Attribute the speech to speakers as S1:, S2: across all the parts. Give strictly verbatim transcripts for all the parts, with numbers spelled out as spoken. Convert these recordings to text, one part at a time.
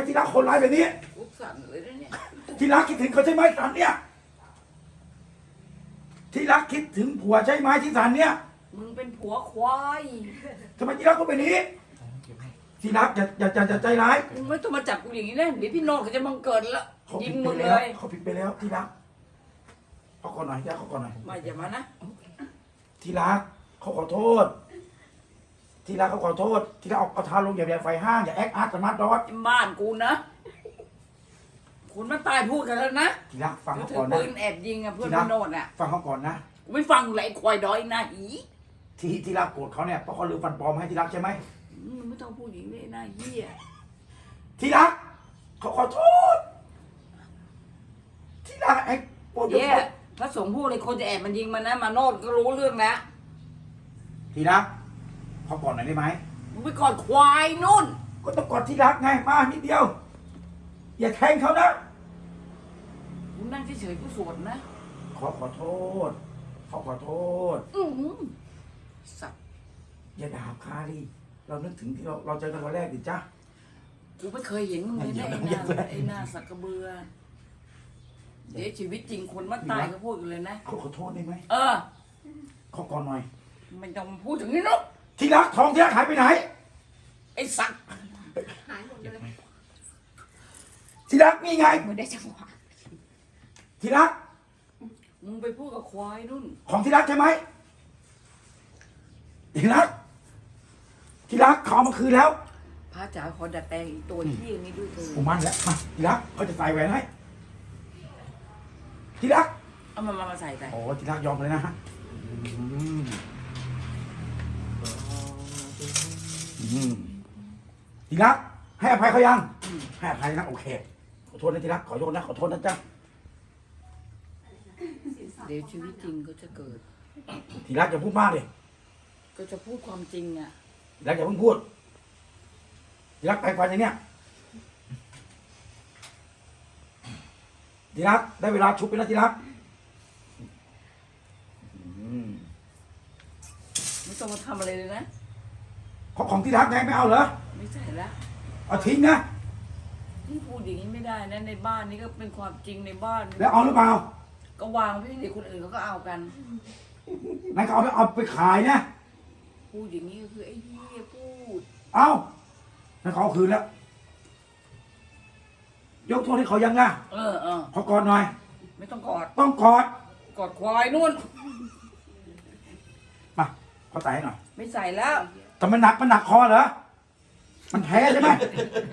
S1: ที่รักคนร้ายแบบนี้
S2: กูสั่นเลยนะเนี่ย
S1: ที่รักคิดถึงเขาใช่ไหมสันเนี่ยที่รักคิดถึงผัวใช่ไหมที่สันเนี่ย
S2: มึงเป็นผัวควาย
S1: ทำไมที่รักก็เป็นอย่างนี้ที่รักอย่าอย่าอย่าอย่าใจร้าย
S2: มึงไม่ต้องมาจับกูอย่างนี้นะเดี๋ยวพี่โนดเขาจะบังเกิดแล้ว
S1: เขา
S2: ยิ
S1: ผิ
S2: ง
S1: ด
S2: มึ
S1: ไป
S2: ง
S1: แล้
S2: เล
S1: วย เขาผิดไปแล้วที่รักเขาก่อนหน่อยที่รักเขาก่อนหน่อย
S2: มาอย่ามานะ
S1: ที่รักเขาขอโทษ ที่รักเขาขอโทษ ที่รักเอาเอาทาลงอย่าอย่าไฟห้างอย่าแอคอาร์ตสมาร์ทดอท
S2: บ้านกูนะคุณมาตายพูดกันแล้วนะ
S1: ที่รักฟัง
S2: ก็
S1: เขา
S2: ถื
S1: ก่
S2: อ
S1: อนนะ
S2: ปืนแอบยิงอะเพื่อนพี่โนดอะ
S1: ฟังเขาก่อนนะ
S2: กูไม่ฟังเลยไอ้ควายดอยหน้าอี
S1: ที่ที่รักโกรธเขาเนี่ยเพราะเขาลืมฟันปลอมให้ที่รักใช่ไหม
S2: มึงไม่ต้องพูดอย่างนี้หน้าเหี้ย
S1: ที่รักเขาขอโทษ ที่รักไอ้ปวด
S2: เหี้ยพระสงฆ์พูดเลยคนจะแอบมันยิงมันนะมาโนดก็รู้เรื่องนะ
S1: ที่รักเขาก่อนหน่อยได้ไหม
S2: มึงไปกอดควายนู่น
S1: ก็ต้องกอดที่รักไงมานิดเดียว อย่าแทงเขานะ
S2: มึงนั่งเฉยๆกูสวดนะ
S1: ขอขอโทษเขาขอโทษ
S2: อือหือสัตว์
S1: อย่าด่าคาดิเรานึกถึงที่เราเราเจอกันวันแรกดิจ้ะ
S2: กูไม่เคยเห็นมึงเลยนะไอ้ห
S1: อย่า
S2: น้า
S1: อย่า
S2: ไอ้หน้าสักกระเบือ เดี๋ยวชีวิตจริงคนมันตายก็พูดกันเลยนะ
S1: เขาขอโทษได้ไหม
S2: เออ
S1: เขาก่อนหน่อย
S2: ไม่ต้องมาพูดถึงนี่หรอก
S1: ที่รักทองที่รักหายไปไหน
S2: ไอ้สัตว์
S3: หายหมดเลย
S1: ที่รักนี่ไง
S3: ไม่ได้จังหวะ
S1: ที่รัก
S2: มึงไปพูดกับควายนู่น
S1: ของที่รักใช่ไหมที่รัก ที่รักเขาเอามาคืนแล้ว
S2: พระจ๋าขอดัดแปลงอีกตัวที่นี้ด้วยเถ
S1: กู
S2: อะ
S1: มั่นแล้วมาที่รักเขาจะใส่แหวนให้ที่รัก
S2: เอามามามาใส่ไป
S1: โอ้ที่รักยอมเลยนะฮะอืมที่รักให้อภัยเขายังให้อภัยนะโอเคขอโทษนะที่รักขอโทษนะขอโทษนะจ๊ะ
S2: เดี๋ยวชีวิตจริงก็จะเกิด
S1: ที่รักอย่าพูดมากเลย
S2: ก็จะพูดความจริงอ่ะ
S1: ที่รักอย่าเพิ่งพูดที่รักไปกว่าอย่างเนี้ยที่รักได้เวลาชุบไปแล้วที่รักอืม
S2: ไม่ต้องมาทำอะไรเลยนะ
S1: ของของที่รักไงไม่เอาเหรอ
S2: ไม่ใช่ละ
S1: เอาทิ้งนะ
S2: มึงพูดอย่างนี้ไม่ได้นะในบ้านนี่ก็เป็นความจริงในบ้าน
S1: แล้วเอาหรือเปล่า
S2: ก็วางไว้เดี๋ยวคนอื่นเขาก็เอากัน
S1: นั่นก็เอาไปเอาไปขายนะ
S2: พูดอย่างนี้ก็คือไอ้เหี้ยพูด
S1: เอานั่นเขาเอาคืนแล้ว ยกโทษให้เขายังนะ
S2: เออเออ
S1: เขากอดหน่อย
S2: ไม่ต้องกอด
S1: ต้องกอด
S2: กอดควายนู่น
S1: มาเขาใส่ให้หน่อย
S2: ไม่ใส่แล้ว
S1: แต่มันหนักมันหนักคอเหรอ มันแพ้ใช่ไหม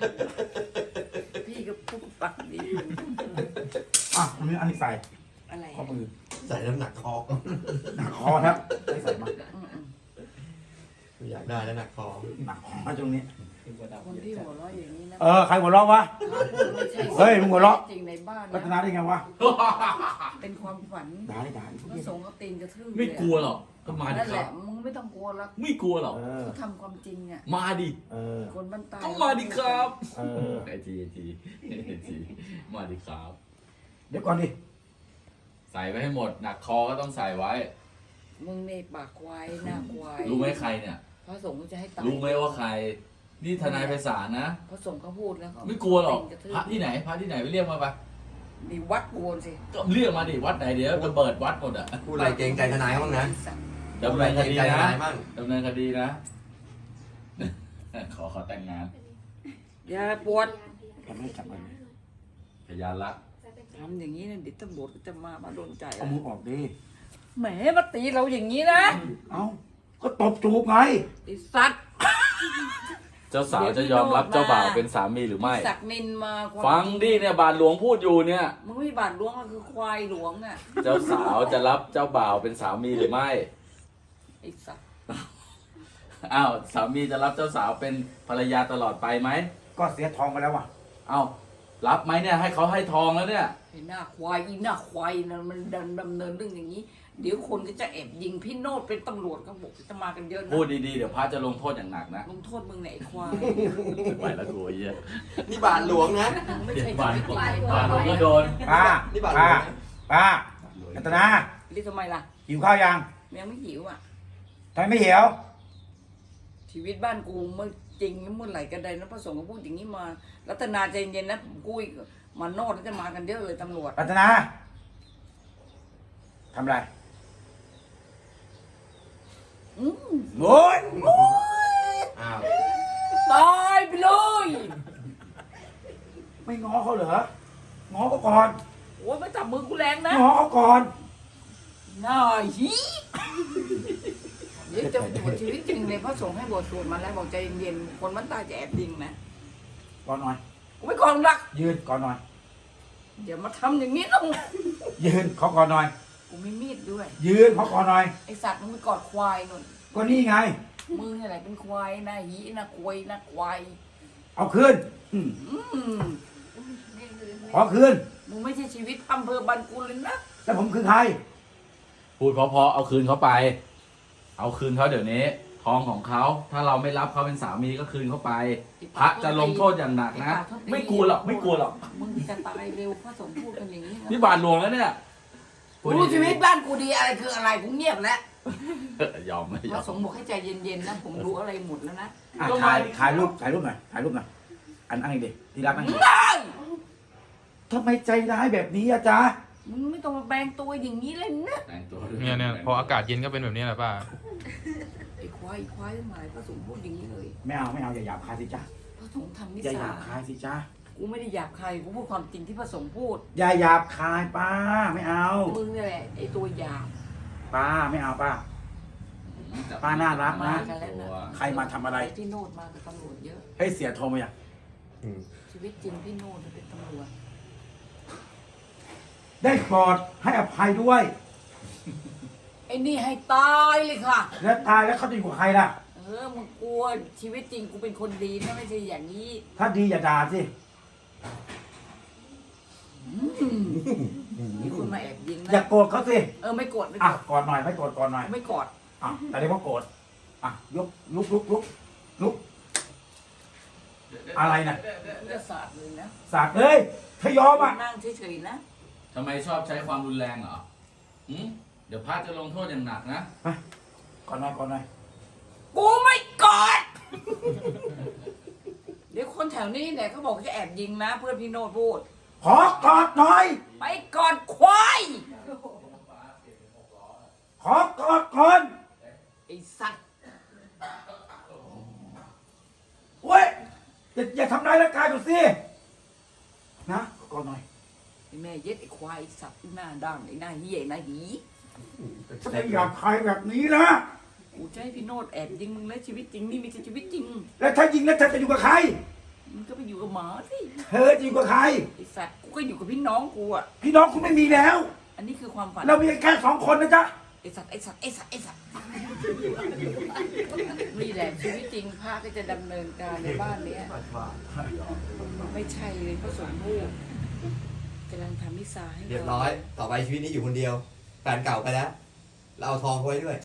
S2: พี่ก็พูดปากดี
S1: อ่ะอันนี้อันนี้ใส่
S2: อะไร
S1: ข้อมือ
S4: ใส่น้ำหนักคอ
S1: หนักคอครับไม่ใส่มา
S2: อืมอืม
S4: อยากได้แล้วหนักคอ
S1: หนักคอมาตรงนี้
S2: คนที่หัวเราะอย่างนี้นะ
S1: เออใครหัวเราะวะ
S2: ไม่ใช่
S1: เฮ้ยมึงหัวเราะ
S2: จริงในบ้าน
S1: รัต
S2: นะ
S1: นาได้ไงวะ
S2: เป็นความฝัน
S1: ด่าได้ด่าดิ
S2: พระสงฆ์ก็ตีนกระทืบ
S5: ไม่กลัวหรอกก็มาดิ
S2: นั่น
S5: ค
S2: แห
S5: รั
S2: ละ
S5: บ
S2: มึงไม่ต้องกลัวหรอก
S5: ไม่กลัวหรอก
S1: เออ
S2: เขาทำความจริงอ่ะ
S5: มาดิ
S1: เออ
S2: คนบ้านตาย
S5: ก็มาดิครับ
S1: เออ
S5: ไอทีไอทีไอทีมาดิครับ
S1: เดี๋ยวก่อนดิ
S5: ใส่ไว้ให้หมด หนักคอก็ต้องใส่ไว้
S2: มึงในปากควายหน้าควาย
S5: รู้ไหมใครเนี่ย
S2: พระสงฆ์ก็จะให้ตาย
S5: รู้ไหมว่าใคร นี่ทนายไพศาลนะ
S2: พระสงฆ์เขาพูดแล้วเขา
S5: ไม่กลัวหรอก
S2: ตีนระทืบ
S5: พระที่ไหน พระที่ไหนไปเรียกมาปะ
S2: มีวัดโกนสิ
S5: ก็เรียกมาดิ วัดไหนเดี๋ยวระเบิดวัดหมดอ่ะ
S4: พูดอะไรเกรงใจทนายบ้างนะ
S5: ดำเนินคดี
S4: พูดอะไรเกรงใจท
S5: นะ
S4: นายบ้าง
S5: ดำเนินคดีนะ ขอขอแต่งงาน
S2: อย่าปวด
S1: แต่ไม่จับมัน
S5: พยานรัก
S2: ทำอย่างนี้นะเดี๋ยวตำรวจก็จะมามาโดนใจ
S1: เอามือออกดิ
S2: แหมมาตีเราอย่างนี้นะ
S1: เอ้าก็ตบจูบไง
S2: ไอ้สัตว์
S5: เจ้าสาวจะยอมรับเจ้าบ่าวเป็นสามีหรือไม่
S2: ศักดิ์นินมาความ
S5: ฟังดิเนี่ยบาทหลวงพูดอยู่เนี่ย
S2: มึงไม่บาดหลวงก็คือควายหลวงอ่ะ
S5: เจ้าสาวจะรับเจ้าบ่าวเป็นสามีหรือไม่
S2: ไอ้สัตว์
S5: อ้าวสามีจะรับเจ้าสาวเป็นภรรยาตลอดไปไหม
S1: ก็เสียทองไปแล้วว่ะ
S5: อ้าวรับไหมเนี่ยให้เขาให้ทองแล้วเนี่ย
S2: ไอ้หน้าควายอีหน้าควายนะมันดำดำเนินเรื่องอย่างนี้ เดี๋ยวคนก็จะแอบยิงพี่โนดเป็นตำรวจก็บอกจะมากันเยอะนะ
S5: พูดดีๆเดี๋ยวพระจะลงโทษอย่างหนักนะ
S2: ลงโทษมึงไหนยไอ้ควาย
S5: ไปแล้วกูไอ้เหี้ย
S4: นี่บาทหลวงนะ
S2: มึงไม่ใช่
S5: บาท
S2: ชีวิตจริงใน
S5: บา
S2: บ้า
S5: ท
S2: น
S5: หลวงก็โดน
S1: ป้า
S4: นี่บาทหล
S1: ป้าว
S4: งนะ
S1: ป้ารัตนา
S2: เรียกทำไมล่ะ
S1: หิวข้าวยัง
S2: ยังไม่หิวอ่ะ
S1: ทำไมไม่หิว
S2: ชีวิตบ้านกูเมื่อจริงเมื่อไหร่กันใดนะพระสงฆ์ก็พูดอย่างนี้มารัตนาใจเย็นนะผมกุ้ยมาโนดแล้วจะมากันเยอะเลยตำรวจ
S1: รัตนาทำอะไร
S2: อืม
S1: โอ้ย
S4: อ้าว
S2: ตายไปเลย
S1: ไม่ง้อเขาเหรอ ง้อเขาก่อน
S2: โอ้ยไม่จับมือกูแรงนะ
S1: ง้อเขาก่อน
S2: น่าฮีเดี๋ยวจะบวชชีวิตจริงเลยพระสงฆ์ให้บวชสวดมาแล้วบอกใจเย็นๆคนมันตายจะแอบยิงนะ
S1: ก่อนหน่อย
S2: กูไม่ก่อนรัก
S1: ยืนก่อนหน่อย
S2: เดี๋ยวมาทำอย่างนี้นะ
S1: ยืนเขาก่อนหน่อย
S2: กูมีมีดด้วย
S1: ยืนเขาก่อนหน่อย
S2: ไอสัตว์มึงไปกอดควายนุ่น
S1: ก็นี่ไง
S2: มึงอะไรเป็นควายนะหีนะควยนะควาย
S1: เอาคืนอืม
S2: อืม
S1: ขอคืน
S2: มึงไม่ใช่ชีวิตอำเภอบันกุลเลยนะ
S1: แล้วผมคือใคร
S5: พูดเพราะๆเอาคืนเขาไป เอาคืนเขาเดี๋ยวนี้ ทองของเขา ถ้าเราไม่รับเขาเป็นสามีก็คืนเขาไป พระจะลงโทษอย่างหนักนะ ไม่กลัวหรอก ไม่กลัวหรอก
S2: มึงจะตายเร็วพระสงฆ์พูดกันอย่างนี้นะ
S5: นี่บาทหลวงแล้วเนี่ย
S2: กูรู้ชีวิตบ้านกูดีอะไรคืออะไรกูเงียบแล้ว
S5: ยอมไม่
S2: พ
S5: ยอ
S2: ระ
S5: ม
S2: สงฆ์บอกให้ใจเย็นๆนะผมรู้อะไรหมดแล้วนะ
S1: อ่ะถ่ายถ่ายรูปถ่ายรูปหน่อยถ่ายรูปหน่อยอันอันนี้ดิที่รักนั่งดิ
S2: ได้
S1: ทำไมใจร้ายแบบนี้อะจ๊ะ
S2: มึงไม่ต้องมาแบงตัวอย่างนี้เลยนะ
S5: แต่งตัวด้วย
S6: เนี่ยเนี่ยพออากาศเย็นก็เป็นแบบนี้แหละป้า
S2: ไอ้ควายไอ้ควายทั้งหลายพระสงฆ์พูดอย่างนี้เลย
S1: ไม่เอาไม่เอาอย่าหยาบคายสิจ๊ะ
S2: พระสงฆ์ทำนิ
S1: อย่าห
S2: สั
S1: ยาบคาย
S2: ย
S1: สิจ๊ะ
S2: กูไม่ได้หยาบใครกูพูดความจริงที่พระสงฆ์พูด
S1: อย่าหยาบคายป้าไม่เอา
S2: มึงนี่แหละไอ้ตัวหยาบ
S1: ป้าไม่เอาป้า ป้าน่ารักนะ
S2: มากันแล้วนะ
S1: ใครมาทำอะไร
S2: พี่โนดมากับตำรวจเยอะ
S1: ให้เสียโทรมาอย่าง
S4: อืม
S2: ชีวิตจริงพี่โนดเป็นตำรวจ
S1: ได้โปรดให้อภัยด้วย
S2: ไอ้นี่ให้ตายเลยค่ะ
S1: แล้วตายแล้วเขาจะอยู่กับใครล่ะ
S2: เออมึงกลัวชีวิตจริงกูเป็นคนดีนะไม่ใช่อย่างนี้
S1: ถ้าดีอย่าด่าสิ
S2: มีคนมาแอบยิง
S1: อย่า
S2: นะ
S1: โกรธเขาสิ
S2: เออไม่โกรธไม่
S1: อ่ะ
S2: โกรธ
S1: กอดหน่อยไม่โกรธกอดหน่อย
S2: ไม่โกรธ
S1: อ่ะแต่เรียกว่าโกรธอ่ะยกลุกลุกลุกลุกอะไรนะ
S2: กูจะสาดเลยนะ
S1: สาดเลยถ้ายอมอ่ะ
S2: นั่งเฉยๆนะ
S5: ทำไมชอบใช้ความรุนแรงเหรอหืมเดี๋ยวพระจะลงโทษอย่างหนักนะ
S1: กอดหน่อยกอดหน่อย
S2: กูไม่โกรธเดี๋ยวคนแถวนี้เนี่ยเขาบอกจะแอบยิงนะ เพื่อนพี่โนดพูด
S1: ขอกอดหน่อย
S2: ไปก่อนควาย
S1: ขอกอดก่อน
S2: ไอ้สัตว์
S1: เว้ยอย่าอย่าทำร้ายร่างกายกูสินะกอดหน่อย
S2: ไอ้แม่เย็ดไอ้ควายไอ้สัตว์ไอ้หน้าด้านไอ้หน้าเหี้ยไอ้หน้าหี
S1: ถ้าไม่อยากใครแบบนี้นะ
S2: กูจะให้พี่โนดแอบยิงมึงแล้วชีวิตจริงนี่ไม่ใช่ชีวิตจริง
S1: แล้วถ้ายิงแล้วเธอจะอยู่กับใคร
S2: มึงก็ไปอยู่กับหมาสิ
S1: เธอจะอยู่กับใคร
S2: ไอ้สัตว์กูก็อยู่กับพี่น้องกูอ่ะ
S1: พี่น้องคุณไม่มีแล้ว
S2: อันนี้คือความฝัน
S1: เรามีแค่สองคนนะจ๊ะ
S2: ไอ้สัตว์ไอ้สัตว์ไอ้สัตว์ไอ้สัตว์นี่แหละชีวิตจริงพระก็จะดำเนินการในบ้านเนี้ยไม่ใช่เลยพระสงฆ์พูดกำลังทำมิสซาให้
S4: เรียบร้อย ต่อไปชีวิตนี้อยู่คนเดียว แฟนเก่าไปแล้ว เราเอาทองเขาไว้ด้วย